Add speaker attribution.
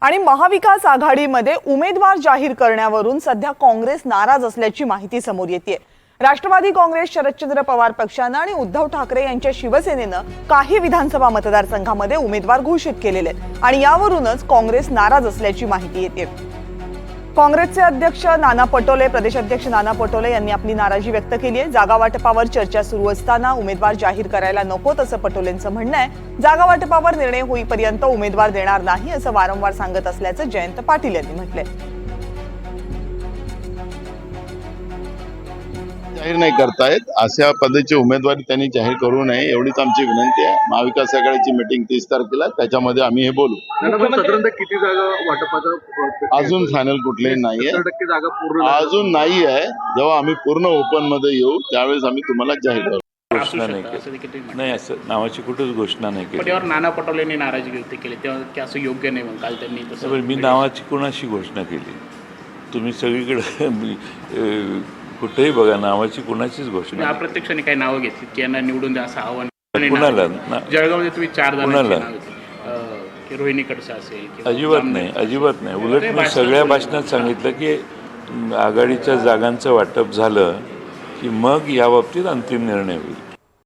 Speaker 1: आणि महाविकास आघाडीमध्ये उमेदवार जाहीर करण्यावरून सध्या काँग्रेस नाराज असल्याची माहिती समोर येते। राष्ट्रवादी काँग्रेस, शरदचंद्र पवार पक्षाने आणि उद्धव ठाकरे यांच्या शिवसेनेने काही विधानसभा मतदारसंघामध्ये उमेदवार घोषित केलेले आहेत आणि यावरूनच काँग्रेस नाराज असल्याची माहिती येते। काँग्रेसचे अध्यक्ष नाना पटोले, प्रदेशाध्यक्ष नाना पटोले यांनी आपली नाराजी व्यक्त केली आहे। जागा वाटपावर चर्चा सुरू असताना उमेदवार जाहीर करायला नको असं पटोलेंचं म्हणणं आहे। जागा वाटपावर निर्णय होईपर्यंत उमेदवार देणार नाही असं वारंवार सांगत असल्याचं जयंत पाटील यांनी म्हटलंय।
Speaker 2: जाहीर नाही करतायत, अशा पद्धतीची उमेदवारी त्यांनी जाहीर करू नये एवढीच आमची विनंती आहे। महाविकास आघाडीची मीटिंग 30 तारखेला, त्याच्यामध्ये आम्ही हे बोलू।
Speaker 3: साधारणतः किती जागा वाटपाचा
Speaker 2: अजून फायनल कुठलेही नाहीये,
Speaker 3: 70% जागा पूर्ण
Speaker 2: अजून नाही आहे। जेव्हा आम्ही पूर्ण ओपन मध्ये येऊ त्यावेळेस आम्ही तुम्हाला जाहीर करू।
Speaker 4: घोषणा नाही केली, असं नावाची कुठेच घोषणा नाही केली।
Speaker 5: त्यावर नाना पटोलेंनी नाराजी व्यक्त केली, तेव्हा की असं योग्य नाही म्हणून काल त्यांनी तसं।
Speaker 4: मी नावाची कोणाशी घोषणा केली? तुम्ही सगळीकडे कुठेही बघा, नावाची कोणाचीच घोषणा।
Speaker 5: अप्रत्यक्षाने काही नावं घेतली की यांना निवडून द्या असं आव्हान
Speaker 4: कुणाला?
Speaker 5: जळगावमध्ये तुम्ही 4
Speaker 4: कुणाला?
Speaker 5: जणांची की रोहिणी खडसे असेल किंवा
Speaker 4: अजिबात नाही, अजिबात नाही। उलट मी सगळ्या भाषणात सांगितलं की आघाडीच्या जागांचं वाटप झालं की मग याबाबतीत अंतिम निर्णय होईल।